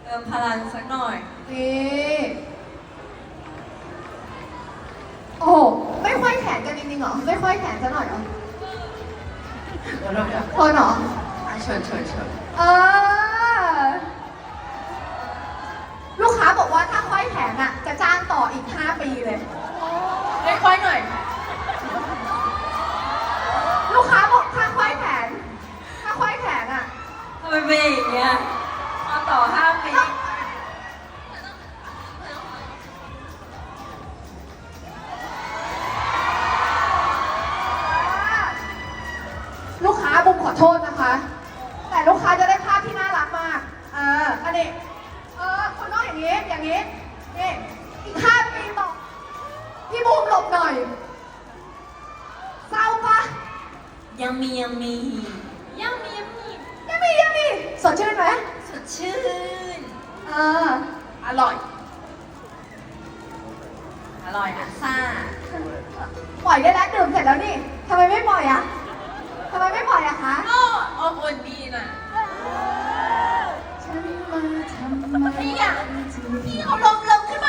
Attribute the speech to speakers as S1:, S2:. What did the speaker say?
S1: เติมพลังสักหน่อย
S2: นี่โอ้โหไม่ค่อยแขนกันจริงๆเหรอไม่ค่อยแขนซะหน่อยเหรอพอเหรอ
S1: เชิญ
S2: เออลูกค้าบอกว่าถ้าค่อยแขนอ่ะจะจ้างต่ออีก 5 ปีเลย
S1: ไม่ค่อยหน่อย
S2: ลูกค้าบอกถ้าค่อยแขนอ่ะ
S1: ทำไมเป็นอย่างเงี้ยมาต่อ5 ปี
S2: ลูกค้าบุมขอโทษนะคะ แต่ลูกค้าจะได้ภาพที่น่ารักมากอันนี้คนนอกอย่างนี้นี่อีก5 ปีต่อพี่บูมหลบหน่อยเศร้าปะ
S1: ยังมี
S2: สดชื่นไหม
S1: สดชื่น
S2: อร่อย
S1: ซ่า
S2: ปล่อยได้แล้วดื่มเสร็จแล้วนี่ทำไมไม่ปล่อยอ่ะคะ
S1: ก็อบอุ่นดีนะ
S2: ฉันมาทำไม
S1: พี่เอาลมขึ้นมา